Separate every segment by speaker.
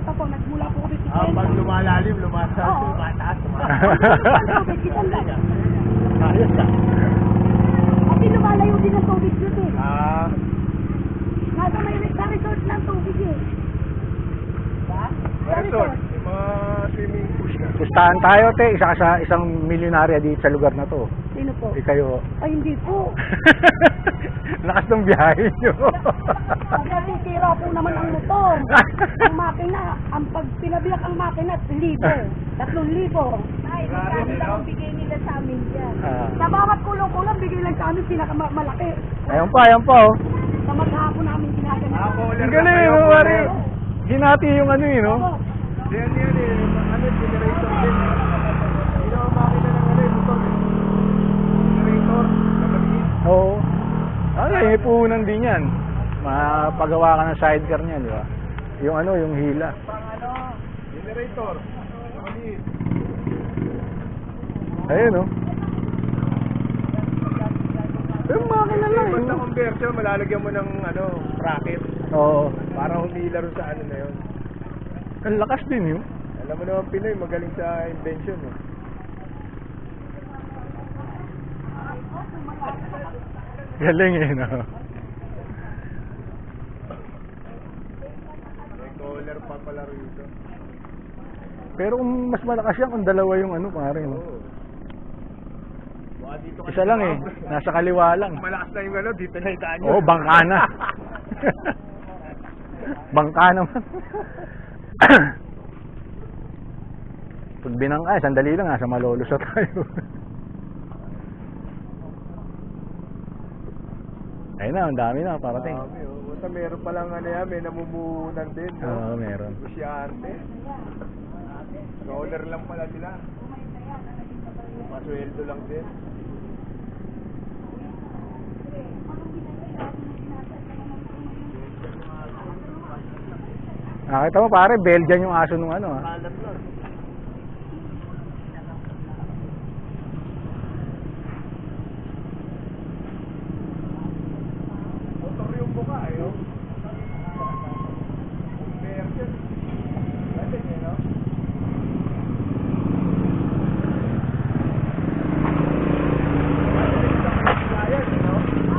Speaker 1: bata po, nagmula po kami
Speaker 2: pag lumalalim, lumataas,
Speaker 1: Oo.
Speaker 2: lumataas.
Speaker 1: Kita lang.
Speaker 2: Ayos na.
Speaker 1: Kasi lumalayo din ang tubig dito eh. Nasa may resort ng tubig eh. Ba?
Speaker 2: Resort, yung mga swimming pool na.
Speaker 3: Pustahan tayo, te. Isa ka sa isang milyonarya dito sa lugar na to.
Speaker 1: Sino po?
Speaker 3: Kayo.
Speaker 1: Ay, hindi po.
Speaker 3: Lakas ng biyahe nyo.
Speaker 1: Pag nasisira po naman ang motor, ang makina, pag pinabiyak ang makina, 1,000. 3,000. Ay, magkano lang ang bigay nila sa amin dyan. Sa bawat kulong-kulong, bigay lang sa amin pinakamalaki.
Speaker 3: Ayan pa, oh.
Speaker 1: Sa maghapon namin ginaganap.
Speaker 3: Ang galing, no, pare. Hinati yung ano yun, no?
Speaker 2: Yan, ano, generator din. Hindi naman makina ng ano, yung motor. Generator, nakaliit.
Speaker 3: Oo. May puhunan din yan. Mapagawa ka ng sidecar niyan, di ba? Yung ano, yung hila.
Speaker 2: Generator, nakaliit.
Speaker 3: Ayun, no? Yung makina lang,
Speaker 2: Basta
Speaker 3: no?
Speaker 2: conversion, malalagyan mo ng ano, bracket.
Speaker 3: Oo.
Speaker 2: Para humila rin sa ano na yun.
Speaker 3: Ang lakas din yun.
Speaker 2: Alam mo naman Pinoy, magaling sa invention. Eh.
Speaker 3: Galing eh, no?
Speaker 2: May collar pa pala rito.
Speaker 3: Pero kung mas malakas yan, kung dalawa yung ano, pare, no?
Speaker 2: Oo. Baka dito kasi
Speaker 3: Isa lang eh. Nasa kaliwa lang.
Speaker 2: malakas na yung ano, dito na itaan nyo.
Speaker 3: Oo, bangka na. Bangka naman. Pag binangka, sandali lang, nasa Malolos tayo. Ayun na, ang dami na, parating.
Speaker 2: Dami, oh. Basta meron palang ano yan, may namumuhunan din. No?
Speaker 3: Oo, meron.
Speaker 2: Negosyante. Dollar lang pala sila. Pasweldo lang din.
Speaker 3: Nakita mo pare, Belgian yung aso nung ano ah.
Speaker 2: Kalat lang. Motor yung buka, ayo. Conversion. Galing, eh, no? Ayan, no?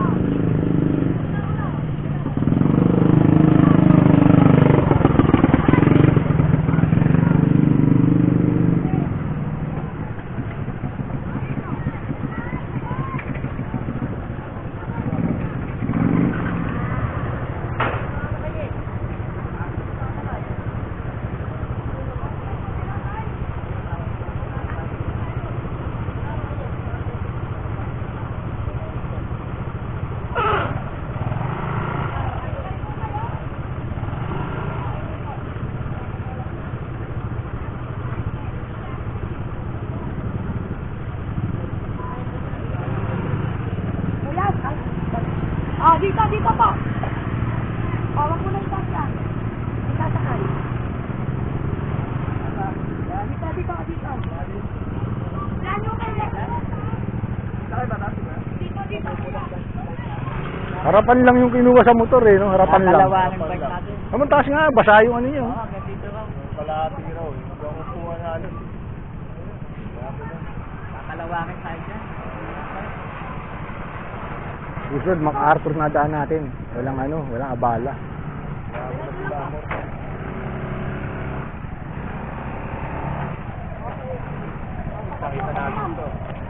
Speaker 1: Dito po. Wag mo na itang yan. Itasakay. Dito. Yan yung kaya.
Speaker 2: Sakay ba natin, ha?
Speaker 1: Dito.
Speaker 3: Harapan lang yung kinuha sa motor eh, no? Harapan lang.
Speaker 1: Kalawanin pa natin.
Speaker 3: Naman taas nga, basa yung ano nyo.
Speaker 1: Dito raw.
Speaker 2: Kalahati raw, eh. Hindi ako kuha na halos.
Speaker 1: Kakalawakin tayo dyan.
Speaker 3: Susunod, MacArthur na daan natin. Walang ano, walang abala.
Speaker 2: Nakita natin to.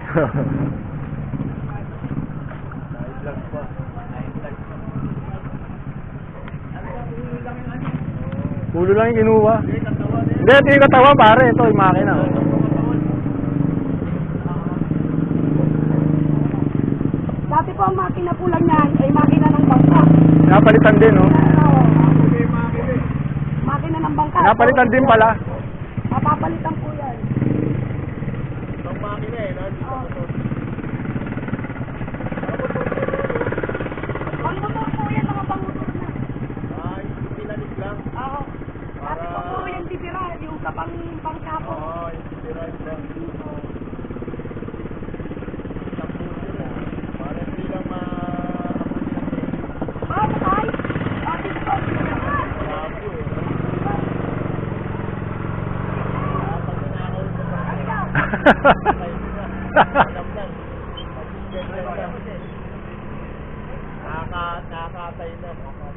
Speaker 2: Nai-vlog pa.
Speaker 3: Ulo lang yung kinuha. Hindi, ito yung katawan pare. Ito yung makina. Oh.
Speaker 1: Dati po ang makina po lang yan ay makina ng bangka.
Speaker 3: Napalitan din, no?
Speaker 1: Makina ng bangka.
Speaker 3: Napalitan din pala.
Speaker 1: Mapapalitan po yan.
Speaker 2: Itong makina eh, no?
Speaker 1: Ang motor po yan, mga pangutor na.
Speaker 2: Ay, pinalit lang.
Speaker 1: Oo. Dati po po yung titira, yung sa bangka po.
Speaker 2: Ay, pinalit lang. Para hindi lang
Speaker 1: Bakay! Dati po.
Speaker 2: Marami eh. Nakakatay na.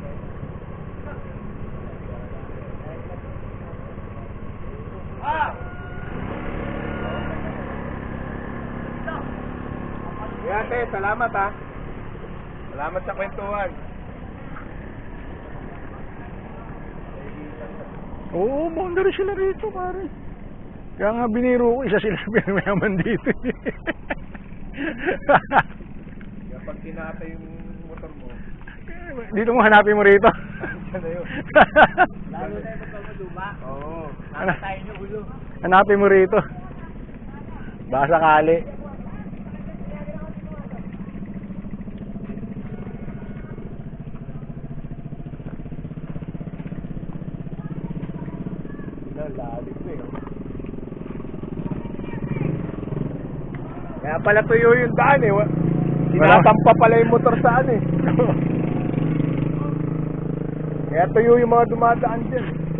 Speaker 2: Ate, salamat ha. Salamat sa kwentuhan.
Speaker 3: Oo, boundary sila rito, pare. Kaya nga biniro ko, isa sila pinamayaman dito.
Speaker 2: Kaya pag kinatay yung motor mo,
Speaker 3: Dito mo hanapin mo rito.
Speaker 2: siya na yun.
Speaker 4: Lalo na yung motor mo luma.
Speaker 2: Oo.
Speaker 4: Nakatayin yung ulo.
Speaker 3: Hanapin mo rito. Baka sakali.
Speaker 2: Lalim ko eh. Kaya pala tuyo yung daan eh. Tinatampa pala yung motor saan eh. Kaya tuyo yung mga dumadaan dyan.